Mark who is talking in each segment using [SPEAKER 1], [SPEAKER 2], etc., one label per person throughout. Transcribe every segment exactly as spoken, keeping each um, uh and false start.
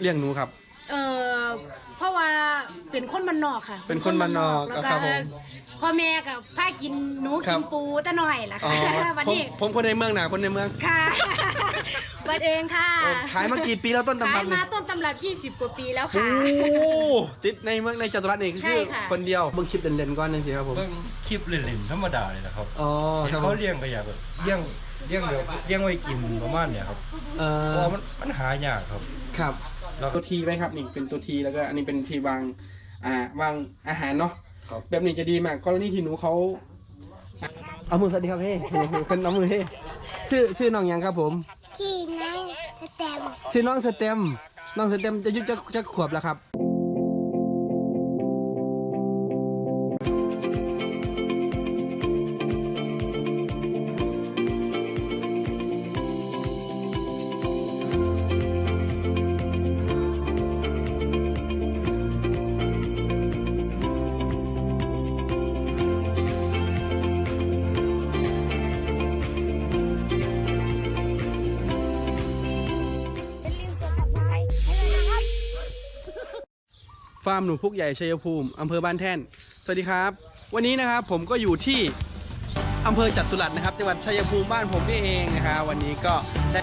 [SPEAKER 1] เลี้ยงหนูครับ
[SPEAKER 2] เออเพราะว่าเป็นคนบ้านนอกค่ะ
[SPEAKER 1] เป็นคนบ้านนอก
[SPEAKER 2] แล้วก็
[SPEAKER 1] ครับผม
[SPEAKER 2] พ่อแม่กับพากินหนูกินปูแต่น้อยล่ะค่ะวันนี้
[SPEAKER 1] ผมคนในเมืองหนาคนในเมือง
[SPEAKER 2] ค่ะบัดเองค่ะ
[SPEAKER 1] ขายมากี่ปีแล้วต้นตำรับ
[SPEAKER 2] ขายมาต้นตำรับยี่สิบกว่าปีแล้วค่ะ
[SPEAKER 1] โอ้ติดในเมืองในจัตุรัสนี่คือคนเดียวเบิ่งคลิปเล่นๆก่อนนึงสิครับผม
[SPEAKER 3] เบิ่งคลิปเล่นๆธรรมดาเลยนะครับ
[SPEAKER 1] อ๋อ
[SPEAKER 3] เขาเลี้ยงก็อยากแบบเลี้ยงเลี้ยงแบบเลี้ยงไว้กินประมาณเนี่ยครับเออเพราะมันมันหายากครับ
[SPEAKER 1] ครับตัวทีไหมครับนี่เป็นตัวทีแล้วก็อันนี้เป็นทีวางอ่าวางอาหารเนาะแบบนี้จะดีมากกรณีที่หนูเขาเอามือสวัสดีครับเฮ้เป็นน้องมือเฮ้ชื่อชื่อน้องยังครับผม
[SPEAKER 4] ชื่อน้องสเต็ม
[SPEAKER 1] ชื่อน้องสเต็มน้องสเต็มจะอายุจะจะขวบแล้วครับฟาร์มหนูพุกใหญ่ชัยภูมิอำเภอบ้านแท่นสวัสดีครับวันนี้นะครับผมก็อยู่ที่อำเภอจัตุรัสนะครับจังหวัดชัยภูมิบ้านผมนี่เองนะครับวันนี้ก็ได้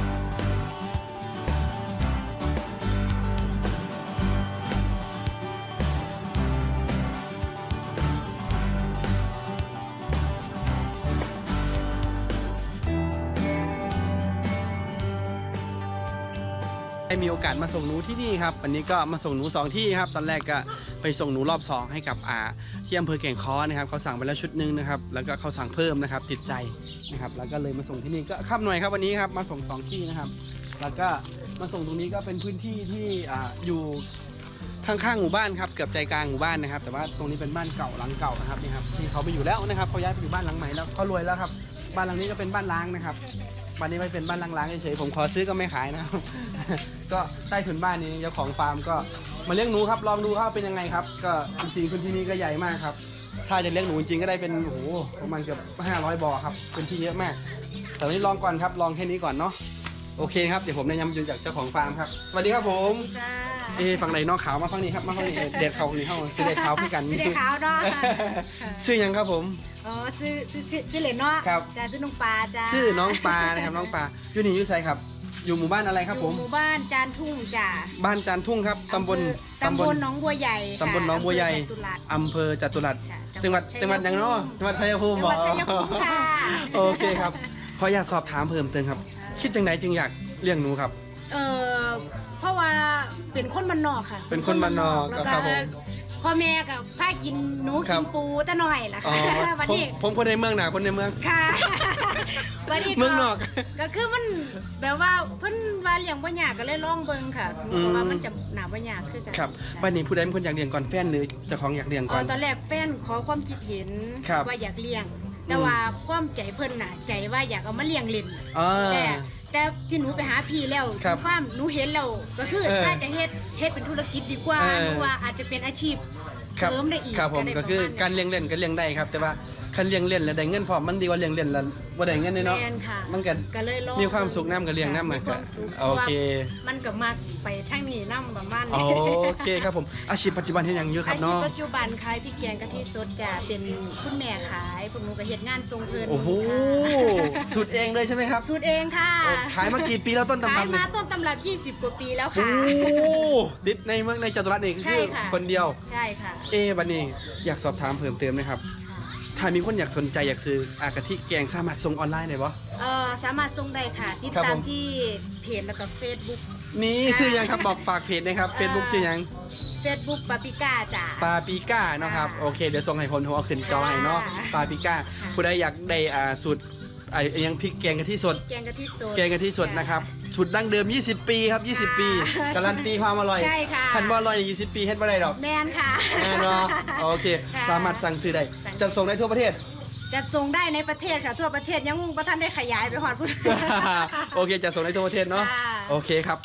[SPEAKER 1] ได้มีโอกาสมาส่งหนูที่นี่ครับวันนี้ก็มาส่งหนูสองที่ครับตอนแรกก็ไปส่งหนูรอบสองให้กับอาที่อำเภอแก่งค้อนะครับเขาสั่งไปแล้วชุดนึงนะครับแล้วก็เขาสั่งเพิ่มนะครับติดใจนะครับแล้วก็เลยมาส่งที่นี่ก็ข้ามหน่วยครับวันนี้ครับมาส่งสองที่นะครับแล้วก็มาส่งตรงนี้ก็เป็นพื้นที่ที่อ่าอยู่ข้างๆหมู่บ้านครับเกือบใจกลางหมู่บ้านนะครับแต่ว่าตรงนี้เป็นบ้านเก่าหลังเก่านะครับนี่ครับที่เขาไปอยู่แล้วนะครับเขาย้ายไปอยู่บ้านหลังใหม่แล้วเขารวยแล้วครับบ้านหลังนี้ก็เป็นบ้านล้างนะครับบ้านนี้ไม่เป็นบ้านล้างๆเฉยๆผมขอซื้อก็ไม่ขายนะครับก็ใต้ถุนบ้านนี้เจ้าของฟาร์มก็มาเลี้ยงหนูครับลองดูว่าเป็นยังไงครับก็จริงๆพื้นที่นี้ก็ใหญ่มากครับถ้าจะเลี้ยงหนูจริงๆก็ได้เป็นโอ้โหประมาณเกือบห้าร้อยบ่อครับพื้นที่เยอะมากแต่วันนี้ลองก่อนครับลองแค่นี้ก่อนเนาะโอเคครับเดี๋ยวผมแนะนำจากเจ้าของฟาร์มครับสวัสดีครับผมเอฝั่งไหนนอกขาวมาฝั่งนี้ครับมาฝั่งนี้เด็ดเขาหรือเข้าคือเด็ดเขาพี่กัน
[SPEAKER 2] เด็ดขาวเนาะ
[SPEAKER 1] ชื่อยังครับผม
[SPEAKER 2] อ๋อชื่อชื่อชื่อเหลนเนาะ
[SPEAKER 1] ครับ
[SPEAKER 2] จ้าชื่อน้องปลาจ้า
[SPEAKER 1] ชื่อน้องปลานะครับน้องปลาอยู่นี่อยู่ไสครับอยู่หมู่บ้านอะไรครับผม
[SPEAKER 2] หมู่บ้านจานทุ่งจ้า
[SPEAKER 1] บ้านจานทุ่งครับตำบล
[SPEAKER 2] ตำบลหนองบัวใหญ่
[SPEAKER 1] ตำบลหนองบัวใหญ่อำเภอจัตุรัสจังหวัดจังหวัดยังเนาะจังหวัดชัยภูมิบอกโอเคครับขออยากสอบถามเพิ่มเติมครับคิดจังไหนจึงอยากเลี้ยงหนูครับ
[SPEAKER 2] เออเพราะว่าเป็นคนบ้านนอกค่ะ
[SPEAKER 1] เป็นคนบ้านนอกครับผม
[SPEAKER 2] พ่อแม่กับพากินหนูกินปูแต่น้อยล่ะค่ะวันนี้
[SPEAKER 1] ผมคนในเมืองหนาคนในเมือง
[SPEAKER 2] ค่ะวันนี้
[SPEAKER 1] เมืองนอก
[SPEAKER 2] ก็คือมันแบบว่าเพิ่นว่าเลี้ยงบ่ยากก็เลยลองเบิ่งค่ะเพราะว่ามันจะหนาบ่ยากคือกัน
[SPEAKER 1] ครับวันนี้ผู้ใดเป็นคนอยากเลี้ยงก่อนแฟนหรือเจ้าของอยากเลี้ยงก่อน
[SPEAKER 2] ตอนแรกแฟนขอความคิดเห็นว่าอยากเลี้ยงแต่ว่าความใจเพิ่นน่ะใจว่าอยากเอามาเลี้ยงเล่นแต่แต่ที่หนูไปหาพี่แล้วฟาร์มหนูเห็นแล้วก็คือถ้าจะเฮ็ดเฮ็ดเป็นธุรกิจดีกว่าหรือว่าอาจจะเป็นอาชีพเสริมได้อีก
[SPEAKER 1] ครับผมก็คือการเลี้ยงเล่นก็เลี้ยงได้ครับแต่ว่าคันเลี้ยงเล่นแล้วได้เงินพอมันดีกว่าเลี้ยงเล่นแล้วบ่ได้เงินเนาะมันก็มีความสุขน้ำกับเลี้ยงน้ำมันก็โอเค
[SPEAKER 2] มันก็มักไปทางนี้น้ำประมาณ
[SPEAKER 1] นี้โอเคครับผมอาชีพปัจจุบันเฮ็ดหยังอยู่ครับเนาะ
[SPEAKER 2] อาชีพปัจจุบันขายพริกแกงกะทิสดจ้ะเป็นคุณแม่ขายพวกหนูก็เฮ็ดงานทรงเพิ่น
[SPEAKER 1] โอ้โหสูตรเองเลยใช่ไหมครับ
[SPEAKER 2] สูตรเองค่ะ
[SPEAKER 1] ขายมากี่ปีแล้วต้นตำรับ
[SPEAKER 2] ขายมาต้นตำรับยี่สิบกว่าปีแล้วค่ะ
[SPEAKER 1] โอ้ดิดในเมืองในจัตุรัสนี่คือคนเดียว
[SPEAKER 2] ใช่ค่ะ
[SPEAKER 1] เอ๊บัดนี้อยากสอบถามเพิ่มเติมนะครับถ้ามีคนอยากสนใจอยากซื้ออากะทิแกงสามารถส่งออนไลน์ได้ปะ
[SPEAKER 2] เออสามารถส่งได้ค่ะติดตามที่เพจแล้วก็เฟซบุ๊ก
[SPEAKER 1] นี่ชื่อยังครับบอกฝากเพจนะครับเฟซบุ๊กชื่อยัง
[SPEAKER 2] เฟซบุ๊กปาปิก้าจ้า
[SPEAKER 1] ปาปิก้าเนาะครับโอเคเดี๋ยวส่งให้คนหัวขึ้นจอให้เนาะปาปิก้าผู้ใดอยากได้อ่าสูตรไอ้ยังพริกแกงกะทิสด
[SPEAKER 2] แกงกะทิสด
[SPEAKER 1] แกงกะทิสดนะครับสูตรดั้งเดิมยี่สิบปีครับยี่สิบปีการันตีความอร่อย
[SPEAKER 2] ใช่ค่ะ
[SPEAKER 1] คันบ่อร่อยยี่สิบปีเฮ็ดบ่ได้ดอก
[SPEAKER 2] แม่นค่ะ
[SPEAKER 1] แม่นเนาะโอเคสามารถสั่งซื้อได้จะส่งได้ทั่วประเทศ
[SPEAKER 2] จะส่งได้ในประเทศค่ะทั่วประเทศยังบ่ทันได้ขยายไปฮอดพุ่น
[SPEAKER 1] โอเคจะส่งได้ทั่วประเทศเนาะโอเคครับ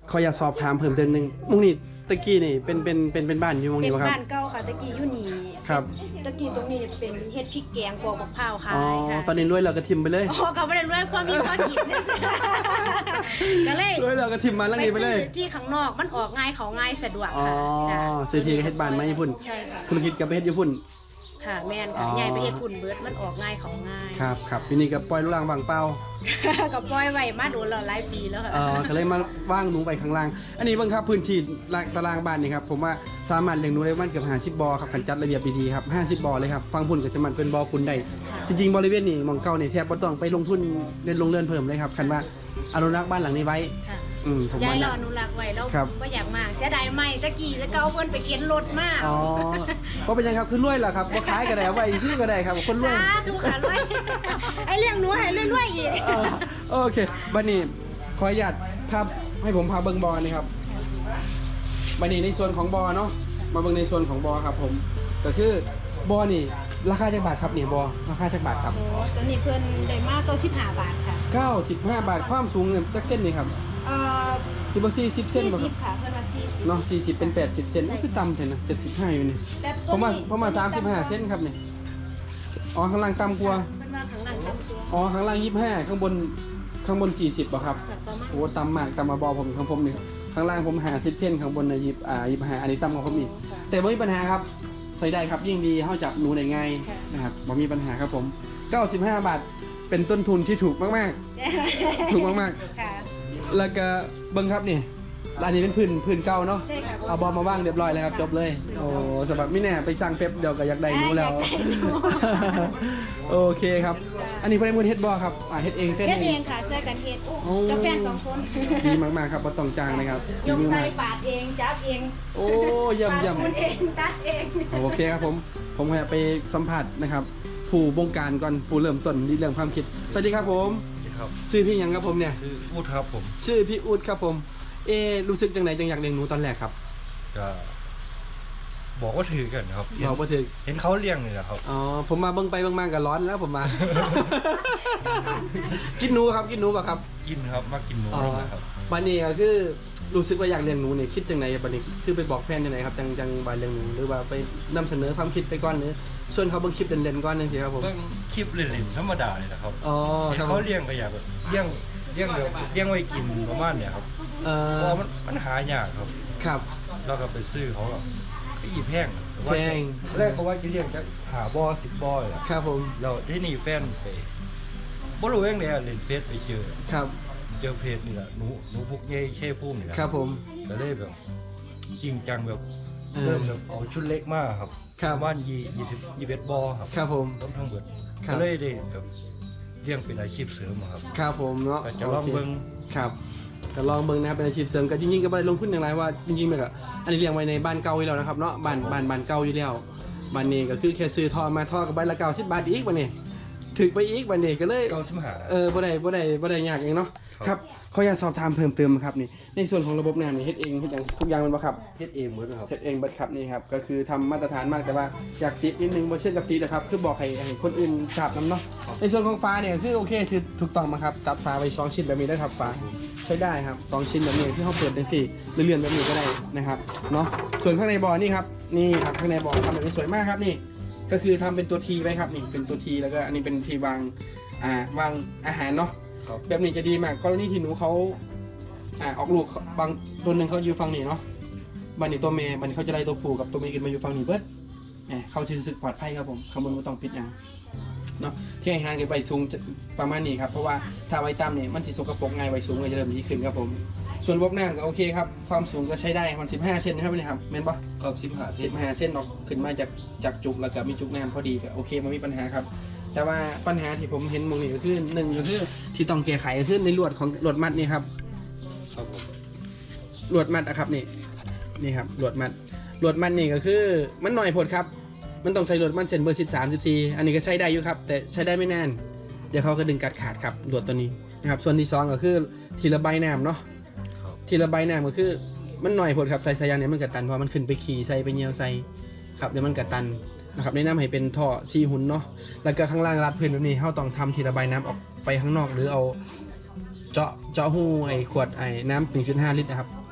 [SPEAKER 1] ขออยากสอบถามเพิ่มเติมหนึงมุงนี่ตะกี้นี่เป็นเป็นเป็นเป็นบ้านอยู่มุง
[SPEAKER 2] เป็
[SPEAKER 1] นี่
[SPEAKER 2] น
[SPEAKER 1] บ่ครับ
[SPEAKER 2] บ้านเก่าค่ะตะกี้อยู่นี่
[SPEAKER 1] ครับ
[SPEAKER 2] ตะกี้ตรงนี้เป็นเฮ็ดพริกแกงปอกมะพร้าวขา
[SPEAKER 1] อ๋อย
[SPEAKER 2] ค่ะ
[SPEAKER 1] ตอนนี้รวยเราก็ทิมไปเลย
[SPEAKER 2] อ๋อก็บ่ได้รวยความมีพอกินนะสิก็เลย
[SPEAKER 1] รวยเราก็ทิมมาแล้วนี่ไปเลย
[SPEAKER 2] ซื้อที่ข้างนอกมันออกง่ายเขาง่ายสะดวก
[SPEAKER 1] อ๋อ
[SPEAKER 2] ค่ะจ้ะ
[SPEAKER 1] ซื้อที่ก็เฮ็ดบ้านมาญี่ปุ่น
[SPEAKER 2] ใช่ค่ะ
[SPEAKER 1] ธุรกิจก็ไปเฮ็ดญี่ปุ่น
[SPEAKER 2] ค่ะแม่น
[SPEAKER 1] อ๋
[SPEAKER 2] ค่ะ
[SPEAKER 1] อ
[SPEAKER 2] ใหญ่ไปเฮ็ดปุ่นเบิดมันออกง่ายเขาง่าย
[SPEAKER 1] ครับครับปีนี้ก็ปล่อยลูกหลางวางเป้า
[SPEAKER 2] ก็ปล่อยไว้มาโดนแล้วหลายปีแล้วค่ะ
[SPEAKER 1] เออก็เลยมาว่างหนูไปข้างล่าง อันนี้เบิ่งครับพื้นที่ตารางบ้านนี่ครับผมว่าสามารถเลี้ยงหนูได้ประมาณเกือบห้าสิบบ่อครับคันจัดระเบียบดีๆครับห้าสิบบ่อเลยครับฟังพุ่นก็จะมันเป็นบ่อคุณได้จริงๆบริเวณนี้หมองเก่านี่แทบบ่ต้องไปลงทุนเรียนลงเรือนเพิ่มเลยครับคันว่าอนุรักษ์บ้านหลังนี้ไว้
[SPEAKER 2] ค่ะ
[SPEAKER 1] อืมผม
[SPEAKER 2] ยา
[SPEAKER 1] ว่าย
[SPEAKER 2] เรา
[SPEAKER 1] นะ
[SPEAKER 2] อนุรักษ์ไว้แล้ว
[SPEAKER 1] ครับ
[SPEAKER 2] บ่อยากมาเสียดายไหมตะกี้จะเก่าเพิ่นไปเข็นรถมา
[SPEAKER 1] อ๋อเพราะเป็นยังครับคือรวยเหรอครับบ่ขายก็ได้เอาไว้ซื้อก็ได้ครับคนรวย
[SPEAKER 2] สาธุค่ะรวยไอ้เรื่องหนูให้รวยๆอีก
[SPEAKER 1] เออโอเคบัดนี้ขออนุญาตภาพให้ผมพาเบิ่งบอนะครับบัดนี้ในส่วนของบอเนาะมาเบิ่งในส่วนของบอครับผมก็คือบอนี่ราคาจักบาทครับนี่บอราคาจักบาทครับ
[SPEAKER 2] โอ้ตัวนี้เพิ่นได้มาเก้าสิบห้าบาทค่ะ
[SPEAKER 1] เก้าสิบห้าบาทความสูงเนี่ยจักเส้นนี่ครับ
[SPEAKER 2] เอ่อ
[SPEAKER 1] สิบสี่สิบเส้นบ่ค
[SPEAKER 2] สี่
[SPEAKER 1] รับ
[SPEAKER 2] สิบค่ะเพิ่นว่าสี่สิบ
[SPEAKER 1] เนาะสี่สิบเป็นแปดสิบเซนนี่คือต่ำแท้นะเจ็ดสิบห้าอยู่นี่
[SPEAKER 2] แต่
[SPEAKER 1] ผ
[SPEAKER 2] ตัว
[SPEAKER 1] มมา
[SPEAKER 2] นี้
[SPEAKER 1] ผมมาสามสิบห้าเซนครับนี่อ๋อข้างล่างต่ำกว่า
[SPEAKER 2] เพิ่นว่าข้างล่างต่ำตัว
[SPEAKER 1] อ๋อข้างล่างยี่สิบห้าข้างบนข้างบนสี่สิบบ่ครับ
[SPEAKER 2] ค่ะประมาณ
[SPEAKER 1] โอ้ต่ำมากต่ำมาบอผมของผมนี่ข้างล่างผมหาสิบเส้นข้างบนนะยิบอ่ายิบหาอันนี้ต่ำกว่าผมอีกแต่ไม่มีปัญหาครับใส่ได้ครับยิ่งดีเข้าจับหนูได้ง่ายนะครับไม่มีปัญหาครับผมเก้าสิบห้าบาทเป็นต้นทุนที่ถูกมากๆ ถูกมาก
[SPEAKER 2] ค่ะ
[SPEAKER 1] ๆแล้วก็เบิ้งครับนี่ร้านนี้เป็นพื้นพื้นเก่าเนาะ
[SPEAKER 2] ใช่ค่ะ
[SPEAKER 1] เอาบอลมาว่างเรียบร้อยแล้วครับจบเลยโอ้สำหรับไม่แน่ไปสั่งเป๊ปเดี๋ยวก็อยากได้หนูแล้ว โอเคครับ อันนี้เพื่อนมือเฮ็ดบอครับอ่าเฮ็ดเองเส้น
[SPEAKER 2] เฮ็ด
[SPEAKER 1] เอ
[SPEAKER 2] เอง งค่ะช่วยกันเฮ็ด
[SPEAKER 1] โอ้
[SPEAKER 2] กับแฟนสองคน
[SPEAKER 1] ดีมากๆครับบ่ต้องจ้างนะครับ
[SPEAKER 2] ยก
[SPEAKER 1] ดี
[SPEAKER 2] ใส่
[SPEAKER 1] มาก
[SPEAKER 2] ปาดเองจับเอง
[SPEAKER 1] โอ้เยี่ยมเยี่ยม
[SPEAKER 2] ปาดคุณเองตัดเอง
[SPEAKER 1] โอเคครับผมผมอยากไปสัมผัสนะครับ ผู้บงการก่อนผู้เริ่มต้นที่เรื่องความคิด สวัสดีครับผม
[SPEAKER 3] ครับ
[SPEAKER 1] ชื่อพี่หยังครับผมเนี่ย
[SPEAKER 3] ชื่ออูดครับผม
[SPEAKER 1] ชื่อพี่อู๊ดครับผม เอรู้สึกจังไหนจังอยากเลี้ยงหนูตอนแรกครับ
[SPEAKER 3] ก็บอกว่าถือกันครับ
[SPEAKER 1] บอกบ่ถึง
[SPEAKER 3] เห็นเขาเลี้ยงนี่แหละครับ
[SPEAKER 1] อ๋อผมมาเบิ่งไปเบิ่งมาก็ร้อนแล้วผมมา กินหนูครับกินหนูป่ะครับ
[SPEAKER 3] กินครับมากินหนู
[SPEAKER 1] อ๋อ
[SPEAKER 3] นะครับ
[SPEAKER 1] บัดนี้ก็คือรู้สึกว่าอยากเลี้ยงหนูเนี่ยคิดจังไหนบัดนี้คือไปบอกแฟนจังไหนครับจังจังบาเลี้ยงหนูหรือว่าไปนำเสนอความคิดไปก่อนหรือส่วนเขาเบิ่งคลิปเล่นๆก่อนจังซี่ครับผม
[SPEAKER 3] เบิ่งคลิปเล่นๆธรรมดาเลยนะครับ
[SPEAKER 1] อ๋อ
[SPEAKER 3] เห็น
[SPEAKER 1] ครับผ
[SPEAKER 3] เขา
[SPEAKER 1] ม
[SPEAKER 3] เลี้ยงก็อยากแบบเลี้ยงเลี้ยงแบบเลี้ยงไว้กินประมาณเนี่ยครับ
[SPEAKER 1] เอ่
[SPEAKER 3] เพ
[SPEAKER 1] อ
[SPEAKER 3] ราะมันมันหายากครับ
[SPEAKER 1] ครับ
[SPEAKER 3] เราก็ไปซื้อเขาแบบไปอีแพง
[SPEAKER 1] แพง
[SPEAKER 3] แรกเขาว่าจะเลี้ยงจะหาบ่อสิบบ่อเลยอะ
[SPEAKER 1] ครับผม
[SPEAKER 3] เราที่นี่แฟนไปบ่รู้ยังไงอะเล่นเฟซไปเจอ
[SPEAKER 1] ครับ
[SPEAKER 3] เจอเพจนี่แหละหนูหนูพุกเย่เช่พุ่มนี่แหละ
[SPEAKER 1] ครับผม
[SPEAKER 3] ก็เลยแบบจริงจังแบบ
[SPEAKER 1] เออ
[SPEAKER 3] เริ่มแบบเอาชุดเล็กมากครับ
[SPEAKER 1] ครับ
[SPEAKER 3] ประมาณยี่ยี่สิบยี่สิบบ่อครับ
[SPEAKER 1] ครับผม
[SPEAKER 3] ต้องทั้งเบิด
[SPEAKER 1] ครับ
[SPEAKER 3] ก็เลยได้แบบเลี้ยงเป็นอาชีพเสริมอะครับ
[SPEAKER 1] ครับผมเนาะ
[SPEAKER 3] ก็จะลองเบิ่ง
[SPEAKER 1] ครับก็ลองเบิ่งนะครับเป็นอาชีพเสริมก็จริงๆก็บ่ได้ลงทุนอย่างไรว่าจริงๆมันก็อันนี้เลี้ยงไว้ในบ้านเก่าอยู่แล้วนะครับเนาะบ้านบ้านบ้านเก่าอยู่แล้วบ้านนี้ก็คือแค่ซื้อท่อมาท่อกับใบละเก้าสิบบาทอีกบัดนี้ถึกไปอีกบัดนี้ก็เลย
[SPEAKER 3] เก้าสิบห้า
[SPEAKER 1] เออบ่ได้บ่ได้บ่ได้ยากเองเนาะ
[SPEAKER 3] ครับ
[SPEAKER 1] ครับขออยากสอบถามเพิ่มเติมครับนี่ในส่วนของระบบน้ำนี่เฮ็ดเองเฮ็ดอย่างทุกอย่างแมันบ่ครับ
[SPEAKER 3] เฮ็ดเองหมดเลยครับ
[SPEAKER 1] เฮ็ดเองเบิดครับนี่ครับก็คือทำมาตรฐานมากแต่ว่าอยากติดนิดนึงบ่เชื่อกับติดนะครับคือบอกให้ให้คนอื่นทราบนํเนาะในส่วนของฟ้าเนี่ยคือโอเคคือถูกต้องมาครับจัดฟ้าไว้สองชิ้นแบบนี้ได้ครับฟ้าใช้ได้ครับสองชิ้นแบบนี้ที่เขาเปิดได้สิหรือเลื่อนแบบนี้ก็ได้นะครับเนาะส่วนข้างในบ่อนี่ครับนี่ครับข้างในบ่อทำแบบนี้สวยมากครับนี่ก็คือทำเป็นตัวทีไว้ครับนี่เป็นตัวทีแล้วก็อันนี้เป็นทีวางอ่าวางอาหารเนาะ
[SPEAKER 3] ครับ
[SPEAKER 1] แบบนี้จะดีมากกรณีที่หนูเขาอ่าออกลูกบางตัวหนึ่งเขาอยู่ฝั่งนี้เนาะบันนี้ตัวเมย์บันนี้เขาจะไล่ตัวผู้กับตัวเมย์ขึ้นมาอยู่ฝั่งนี้เบิดแหมเขาจะรู้สึกปลอดภัยครับผมข้างบนไม่ต้องปิดอย่างเนาะที่ให้ห่างกันใบสูงจะประมาณนี้ครับเพราะว่าถ้าไว้ต่ำเนี่ยมันสิสกปรกง่ายใบสูงก็จะเริ่มดีขึ้นครับผมส่วนระบบน้ำก็โอเคครับความสูงก็ใช้ได้มันสิบห้าเซนนะครับนี่ครับแม่นปะ
[SPEAKER 3] ครับสิบห้า
[SPEAKER 1] สิบห้าเส้นออกขึ้นมาจากจากจุกแล้วก็มีจุกน้ำพอดีก็โอเคมันมีปัญหาครับ แต่ว่าปัญหาที่ผมเห็นมองนี่ก็คือหนึ่งก็คือที่ต้องแก้ไขก็คือในลวดของลวดมัดนี่ครับ
[SPEAKER 3] ครับผม
[SPEAKER 1] ลวดมัดอะครับนี่นี่ครับลวดมัดลวดมัดนี่ก็คือมันหน่อยผดครับ มันต้องใส่ลวดมัดเส้นเบอร์สิบสามสิบสี่อันนี้ก็ใช้ได้อยู่ครับ แต่ใช้ได้ไม่นานเดี๋ยวเขาก็ดึงกัดขาดครับลวดตัวนี้นะครับส่วนที่สองก็คือทีระบายน้ำเนาะ
[SPEAKER 3] ครับ
[SPEAKER 1] ทีระบายน้ำก็คือมันหน่อยผดครับใส่สายยางเนี่ยมันกัดตันเพราะมันขึ้นไปขี่ใส่ไปเหยียวใส่ครับเดี๋ยวมันกัดตันนะครับแนะนำให้เป็นท่อซีหุ่นเนาะแล้วก็ข้างล่างรัดพื้นแบบนี้เขาต้องทำทีระบายน้ำออกไปข้างนอกหรือเอาเจาะเจาะหูไอ้ขวดไอ้น้ำ หนึ่งจุดห้า ลิตรนะครับ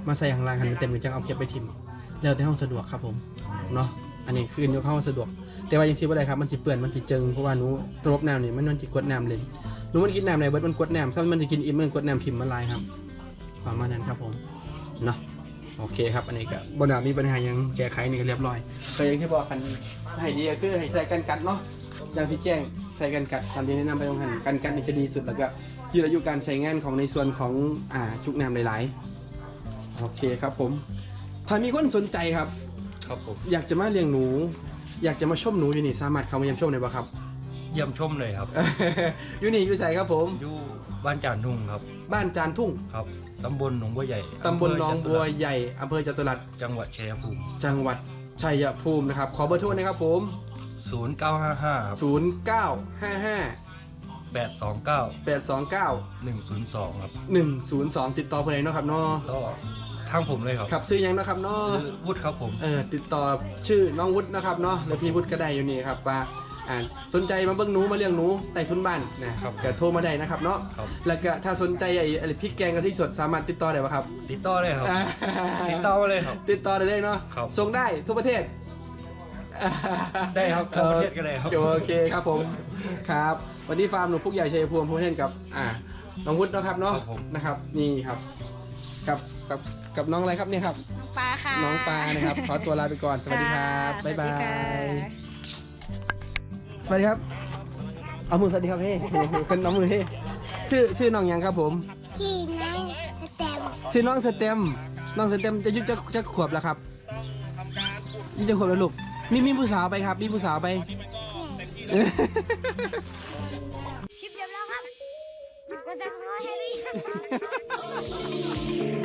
[SPEAKER 1] มาใส่ข้างล่างให้มันเต็มหรือจังเอาเก็บไปทิมแล้วแต่ห้องสะดวกครับผมเนาะอันนี้คือยกเข้าสะดวกแต่ว่ายังซีบ่ได้ครับมันสิเปื้อนมันสิเจิงเพราะว่าหนูระบบน้ำนี่มันมันสิกดน้ำเลยหนูมันกินน้ำไหนเบิดมันกดน้ำซ้ำมันจะกินอิ่มมันกดน้ำพิมพ์มันลายครับประมาณนั้นครับผมเนาะโอเคครับอันนี้ก็บ่น่ามีปัญหายังแก้ไขนี่ก็เรียบร้อยก็อย่างที่บอกกันให้ดีก็คือให้ใส่กันกัดเนาะอย่างที่แจ้งใส่กันกัดตามที่แนะนำไปตรงหันกันกัดนี่จะดีสุดแล้วก็ยืดอายุการใช้งานของในส่วนของอ่าจุกน้ำหลายๆโอเคครับผมถ้ามีคนสนใจครับ
[SPEAKER 3] ครับผม
[SPEAKER 1] อยากจะมาเลี้ยงหนู อยากจะมาชมหนูอยู่นี่สามารถเข้ามาเยี่ยมชมได้ป่ะครับ
[SPEAKER 3] เยี่ยมชมเลยครับ
[SPEAKER 1] อยู่นี่อยู่ใส่ครับผม
[SPEAKER 3] อยู่บ้านจานทุ่งครับ
[SPEAKER 1] บ้านจานทุ่ง
[SPEAKER 3] ครับตำบลหนองบัวใหญ่
[SPEAKER 1] ตำบลหนองบัวใหญ่อำเภอจตุรัส
[SPEAKER 3] จังหวัดชัยภูมิ
[SPEAKER 1] จังหวัดชัยภูมินะครับขอเบอร์โทรนะครับผม
[SPEAKER 3] ศูนย์เก้าห้าห้าครับ
[SPEAKER 1] ศูนย์ เก้า ห้า ห้า
[SPEAKER 3] แปดสองเก้า
[SPEAKER 1] แปด สอง เก้า
[SPEAKER 3] หนึ่งศูนย์สองครับ
[SPEAKER 1] หนึ่ง ศูนย์ สอง ติดต่อคนไหนเนาะครับเนาะ
[SPEAKER 3] ก็ทางผมเลยครับ
[SPEAKER 1] ครับซื้อยังเนาะครับเนาะ
[SPEAKER 3] ชื่อวุฒิครับผม
[SPEAKER 1] เออติดต่อชื่อน้องวุฒินะครับเนาะหรือพี่วุฒิก็ได้อยู่นี่ครับว่าอ่าสนใจมาเบิ่งหนูมาเลี้ยงหนูใต้ทุนบ้านนะครับก็โทรมาได้นะครับเนาะ
[SPEAKER 3] ครับ
[SPEAKER 1] แล้วก็ถ้าสนใจไอ้ไอ้พริกแกงกะทิสดสามารถติดต่อได้ป่ะครับ
[SPEAKER 3] ติดต่อเลยครับ
[SPEAKER 1] อ่า
[SPEAKER 3] ติดต่อมาเลยครับ
[SPEAKER 1] ติดต่อได้เลยเนาะ
[SPEAKER 3] ครับ
[SPEAKER 1] ส่งได้ทุกประเทศ
[SPEAKER 3] ได้ครับทั่วประเทศก็ได้ครับ
[SPEAKER 1] โอเคครับผมครับวันนี้ฟาร์มหนูพุกใหญ่ชัยภูมิพูดเล่นกับอ่าน้องวุฒิเนาะครับเนาะ
[SPEAKER 3] ครับผม
[SPEAKER 1] นะครับนี่ครับกับกับกับน้องอะไรครับเนี่ยครับ
[SPEAKER 2] ปลาค่ะ
[SPEAKER 1] น้องปลานะครับขอตัวลาไปก่อนสวัสดีครับบ๊ายบา
[SPEAKER 2] สวัสดีค่ะ
[SPEAKER 1] ยสวัสดีครับเอามือสวัสดีครับเฮ้เป็นน้องมือเฮ้ชื่อชื่อน้องหยังครับผม
[SPEAKER 4] ที่นั่งสแตม
[SPEAKER 1] ชื่อน้องสเต็มน้องสเต็มจะอายุจะจะขวบแล้วครับยี่จะขวบแล้วลูกมีมีผู้สาวไปครับมีผู้สาวไป
[SPEAKER 4] คลิปจบแล้วครับกดซับสไครต์ให้หรือยัง